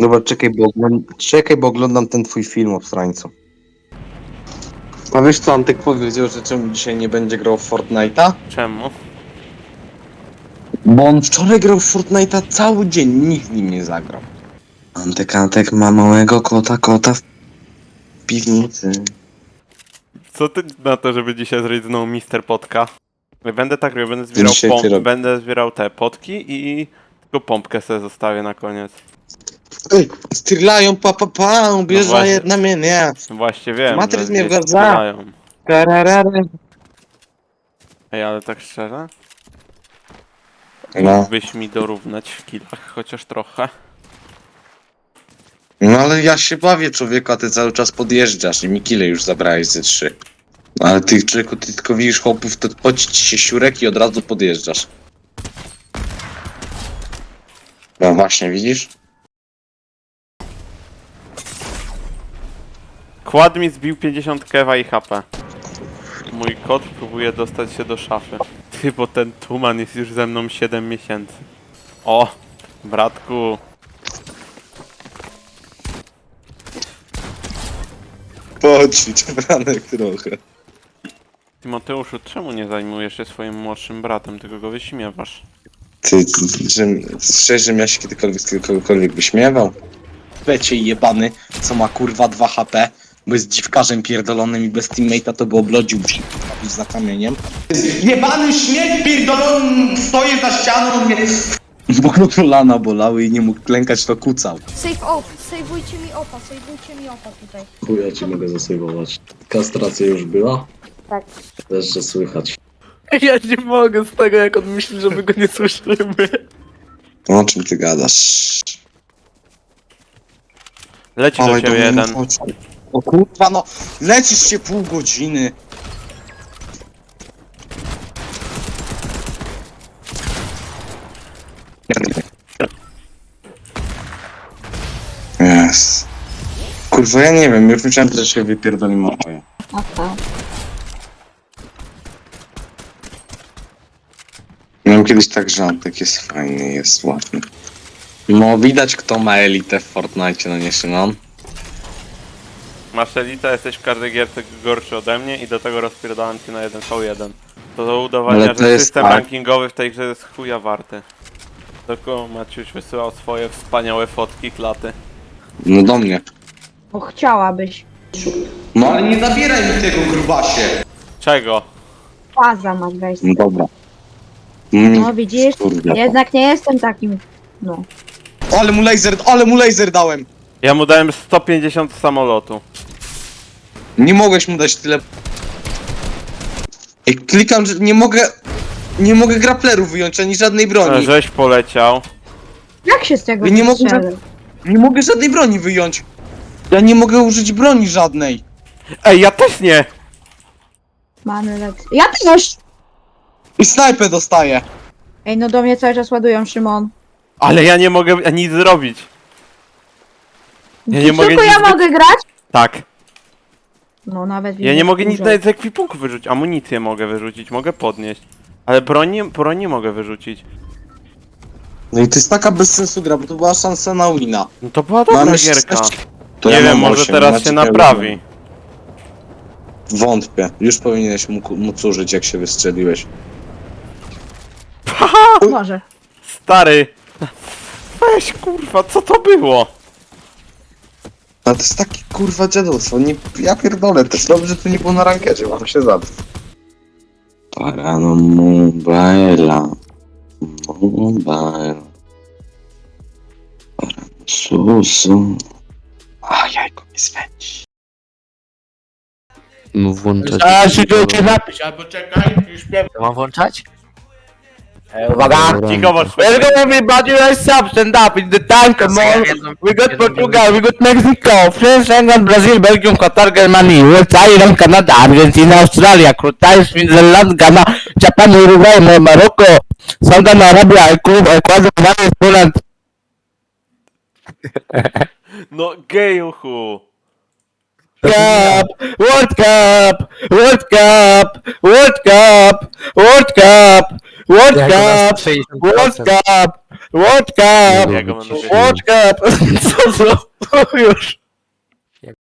Dobra, czekaj, bo oglądam ten twój film o strańcu. A wiesz co, Antek powiedział, że czemu dzisiaj nie będzie grał w Fortnite'a? Czemu? Bo on wczoraj grał w Fortnite'a cały dzień, nikt z nim nie zagrał. Antek ma małego kota w piwnicy. Co ty na to, żeby dzisiaj zrobić znowu Mister Potka? Będę tak robił, będę zbierał, Dzisiaj ty robisz. będę zbierał te potki i tylko pompkę sobie zostawię na koniec. Ej, strzelają bierze właśnie. jedna mnie. Właśnie wiem, Matryc że mnie gdzieś wgadza. strzelają. Tararary. Ej, ale tak szczerze? No. Mógłbyś mi dorównać w killach chociaż trochę. No ale ja się bawię, człowieku, a ty cały czas podjeżdżasz i mi kile już zabrałeś ze 3. Ale ty, człowieku, ty tylko widzisz chłopów, to poci ci się siurek i od razu podjeżdżasz. No właśnie, widzisz? Kład mi zbił 50 kewa i HP. Mój kot próbuje dostać się do szafy. Ty, bo ten tuman jest już ze mną 7 miesięcy. O, bratku. Poćwicz, Franek, trochę. Tymoteuszu, czemu nie zajmujesz się swoim młodszym bratem, tylko go wyśmiewasz? Ty, szczerze, ja się kiedykolwiek z kogokolwiek wyśmiewał? Becie jebany, co ma kurwa 2 HP, bo jest dziwkarzem pierdolonym i bez teammate'a to by oblodził się za kamieniem. Jebany śmiech pierdolony, stoję za ścianą, on mnie... Bo go kolana bolały i nie mógł klękać, to kucał. Save off, sejwujcie mi opa tutaj. Chuja ci mogę zasejwować. Kastracja już była? Tak. Też, że słychać. Ja nie mogę z tego, jak on myśli, że my go nie słyszymy. O czym ty gadasz? Leci do ciebie jeden. O kurwa, no lecisz się pół godziny. Yes. Kurwa, ja nie wiem, już myślałem, że się wypierdoli moje. Aha. Miałem kiedyś tak, że Antek jest fajny, jest ładny. No widać, kto ma elitę w Fortnite, no nie Szymon? Masz elita, jesteś w każdej gierce gorszy ode mnie i do tego rozpierdalam cię na 1v1. To do udowadnia, Ale to że jest system tak. rankingowy w tej grze jest chuja warty. Tylko Maciuś wysyłał swoje wspaniałe fotki, klaty. No do mnie. O, chciałabyś. No ale nie zabieraj mi tego, grubasie! Czego? Faza masz wejść. No dobra. No widzisz? Kurde. Jednak nie jestem takim. No. Ale mu laser dałem! Ja mu dałem 150 z samolotu. Nie mogłeś mu dać tyle... Ej, klikam, że nie mogę... Nie mogę grapplerów wyjąć, ani żadnej broni. Żeś poleciał. Jak się z tego Ja nie mogę- wystrzeli? Nie mogę żadnej broni wyjąć. Ja nie mogę użyć broni żadnej. Ej, ja też nie! Mamy lecz. Ja też! I snajpę dostaję. Ej, no do mnie cały czas ładują, Szymon. Ale ja nie mogę nic zrobić. Ja nie Czy mogę tylko nic ja mogę grać? Tak. No nawet Ja nie mogę nic dużo. nawet z ekwipunku wyrzucić. Amunicję mogę wyrzucić, mogę podnieść. Ale broń nie mogę wyrzucić. No i to jest taka bez sensu gra, bo to była szansa na wina. No to była dobra Mamy gierka. 16. To Nie ja wiem, mam może 8, teraz macie się pełno. naprawi. Wątpię. Już powinieneś móc użyć, jak się wystrzeliłeś. Może. Stary! Weź kurwa, co to było? Ale to jest takie kurwa dziadostwo. Nie, ja pierdolę, też dobrze, że to nie było na rankerze, mam się zabrać. Parano mobile. Mobile. Parano susu. A jajko mi swędzi. No włączać. A się to napisz, albo czekaj, już śpiewam. Mam włączać? Uwaga! Cicho, bądź Welcome everybody, rise up, stand up, it's the time, come on! We got Portugal, we got Mexico, France, England, Brazil, Belgium, Qatar, Germany, USA, Iran, Canada, Argentina, Australia, Croatia, Switzerland, Ghana, Japan, Uruguay, Morocco, Saudi Arabia, Ecuador, Poland. No gejuchu! Cup, World Cup, World Cup, World Cup, World Cup, World Jak nas Cup! 60%. World Cup! World Cup! Ja go będę World Cup! Co to? Już.